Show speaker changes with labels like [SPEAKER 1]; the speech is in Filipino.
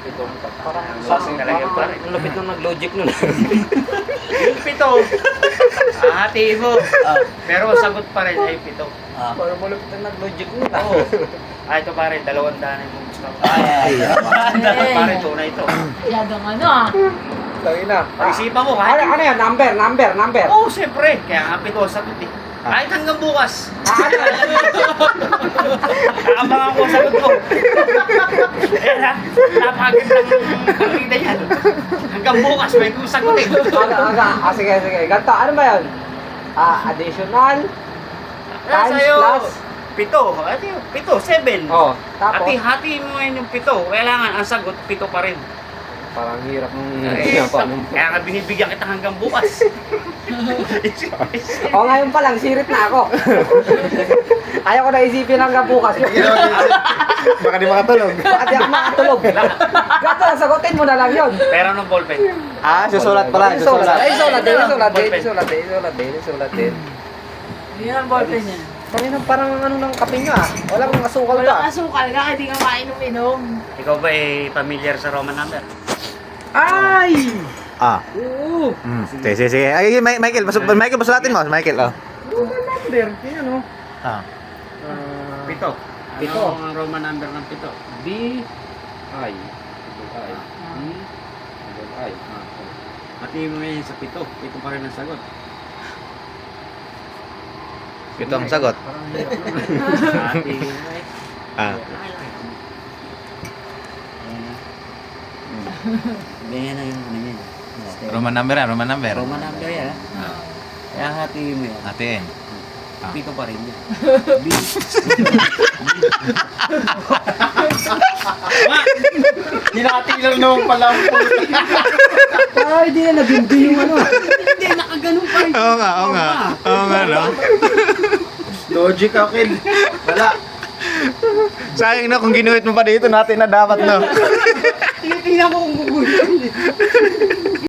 [SPEAKER 1] pitong parang
[SPEAKER 2] Sasing talaga yung pare.
[SPEAKER 1] ang lapit nung nag-logic nun.
[SPEAKER 2] Yung pito, hatiin mo. Pero ang sagot pa rin ay pito.
[SPEAKER 1] Parang malapit na nag-logic nun.
[SPEAKER 2] Oo. Ito pare, 200 yung gusto ko.
[SPEAKER 1] Ay.
[SPEAKER 2] Pare, tunay ito.
[SPEAKER 3] Yadong ano ah.
[SPEAKER 1] Lagi na.
[SPEAKER 2] Pag-isipan mo,
[SPEAKER 1] Ano, ano yan? Number.
[SPEAKER 2] Oo, siyempre. Kaya nga pito ang sagot eh. Kahit hanggang bukas. Kaabangan ko ang sagot ko. Ayan ha, napakagandang pakita yan. Hanggang bukas, may kong sagot eh.
[SPEAKER 1] Sige. Ganito, ano ba yun? Additional?
[SPEAKER 2] Nasa
[SPEAKER 1] Times
[SPEAKER 2] sa'yo,
[SPEAKER 1] plus?
[SPEAKER 2] pito. Ito yun, pito, 7.
[SPEAKER 1] Oh, tapos?
[SPEAKER 2] Hati mo ngayon yung pito. Kailangan, ang sagot, pito pa rin.
[SPEAKER 1] Parang hirap nung
[SPEAKER 2] Kaya nga binibigyan kita hanggang bukas.
[SPEAKER 1] O ngayon pa lang, sirit na ako. Ayaw ko na isipin hanggang bukas yun.
[SPEAKER 4] Baka di makatulog.
[SPEAKER 1] Bakit di ako makatulog? Gato, sagutin mo na lang yun.
[SPEAKER 2] Pero nung ballpen.
[SPEAKER 4] Susulat pala.
[SPEAKER 1] Sulat
[SPEAKER 4] Susulat.
[SPEAKER 1] din.
[SPEAKER 3] Yun ang ballpen niya.
[SPEAKER 1] Kanina parang ano ng kape nyo ah. Walang asukal
[SPEAKER 3] Walang
[SPEAKER 1] pa.
[SPEAKER 3] asukal ka, hindi ka mainom-inom.
[SPEAKER 2] Ikaw ba eh familiar sa Roman number?
[SPEAKER 1] Ay!
[SPEAKER 4] Oo. Sige. Ay, Michael, pasulatin mo. Michael, oh.
[SPEAKER 1] Number, yun o.
[SPEAKER 2] Pito.
[SPEAKER 1] Pito.
[SPEAKER 2] Ano ang Roman number ng pito?
[SPEAKER 1] B. I.
[SPEAKER 2] Hati mo ngayon sa pito. Pito pa rin ang sagot.
[SPEAKER 4] Ito ang sagot.
[SPEAKER 2] Hati mo eh. Ganyan na yung ano yan.
[SPEAKER 4] Roman number.
[SPEAKER 2] Roman number yan. Kaya hati mo yan.
[SPEAKER 4] Atin.
[SPEAKER 2] Pito pa rin yan.
[SPEAKER 4] Hinati lang naman pala ang puto.
[SPEAKER 1] Ay, di na nabindi yung ano.
[SPEAKER 2] Hindi, nakaganon pa rin.
[SPEAKER 4] Oo nga, no?
[SPEAKER 1] Logic akin. Wala.
[SPEAKER 4] Sayang na kung ginuhit mo pa dito natin na dapat, no?
[SPEAKER 2] Tingnan ko kung guguhin.